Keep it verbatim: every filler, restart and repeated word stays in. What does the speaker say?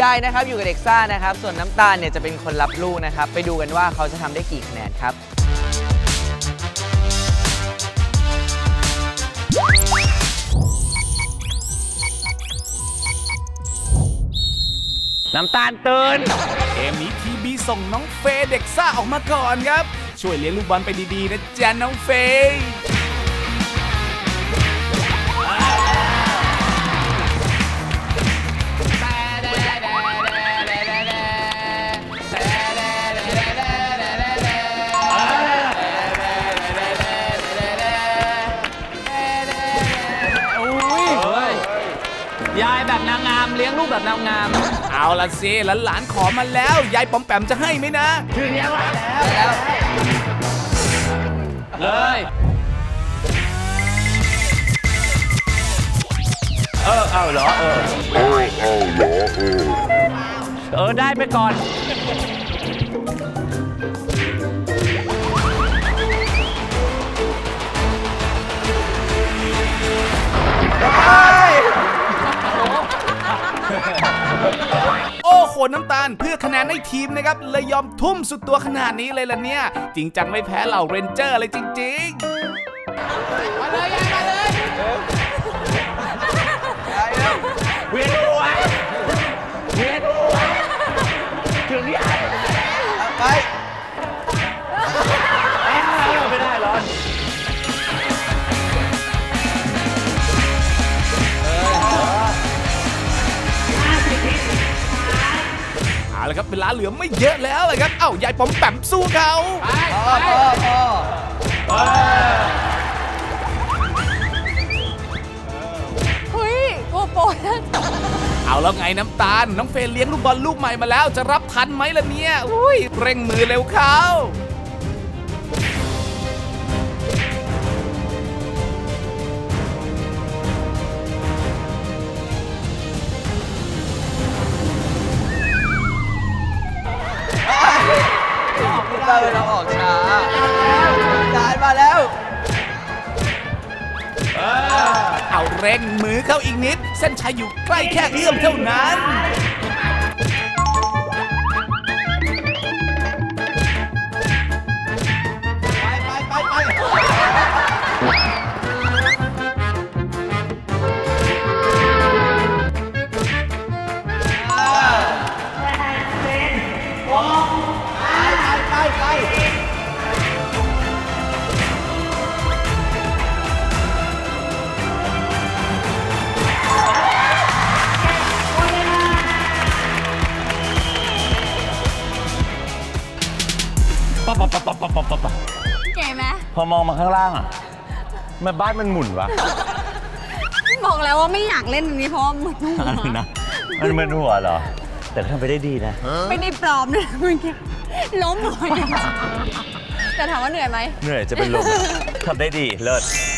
ยายนะครับอยู่กับเด็กซ่านะครับส่วนน้ำตาลเนี่ยจะเป็นคนรับลูกนะครับไปดูกันว่าเขาจะทำได้กี่คะแนนครับน้ำตาลตื่นเกมนี้ทีบีส่งน้องเฟย์เด็กซ่าออกมาก่อนครับช่วยเลี้ยงลูกบอลไปดีๆนะจ๊ะน้องเฟย์ยายแบบนางงามเลี้ยงลูกแบบนางงามเอาละสิหลานๆขอมาแล้วยายปอมแปมจะให้ไหมนะถึงแล้วแล้วเลยเออเอาเหรอเออเออเอาเหรอเออเออได้ไปก่อนโอ้โหน้ำตาลเพื่อคะแนนให้ทีมนะครับเลยยอมทุ่มสุดตัวขนาดนี้เลยล่ะเนี่ยจริงจังไม่แพ้เหล่าเรนเจอร์เลยจริงๆมาเลยยายมาเลยเวียนหัวเวียนหัวถึงยายไปไม่ได้ร้อนเอาละครับเวลาเหลือไม่เยอะแล้วเลยครับเอ้ายายปอมแปมสู้เขาพ่อพ่อพ่อเฮ้ยโกโปรนะเอาแล้วไงน้ำตาลน้องเฟย์เลี้ยงลูกบอลลูกใหม่มาแล้วจะรับทันไหมล่ะเนี่ยอุ้ยเร่งมือเร็วเขาไม่ได้เราออกช้าจานมาแล้วเอาเร่งมือเข้าอีกนิดเส้นชัยอยู่ใกล้แค่เอื้อมเท่านั้นไปไปไปไปปั๊บปั๊บปั๊บปั๊บปั๊บปั๊บปั๊บเก๋ไหมพอมองมาข้างล่างอ่ะมันบ้านมันหมุนวะบอกแล้วว่าไม่อยากเล่นตรงนี้เพราะว่ามึนหัวอะไรนะมันมึนหัวเหรอแต่ก็ทำไปได้ดีนะไม่ได้ปลอมนะเมื่อกี้ล้มหัวแต่ถามว่าเหนื่อยไหมเหนื่อยจะเป็นลมทำได้ดีเลิศ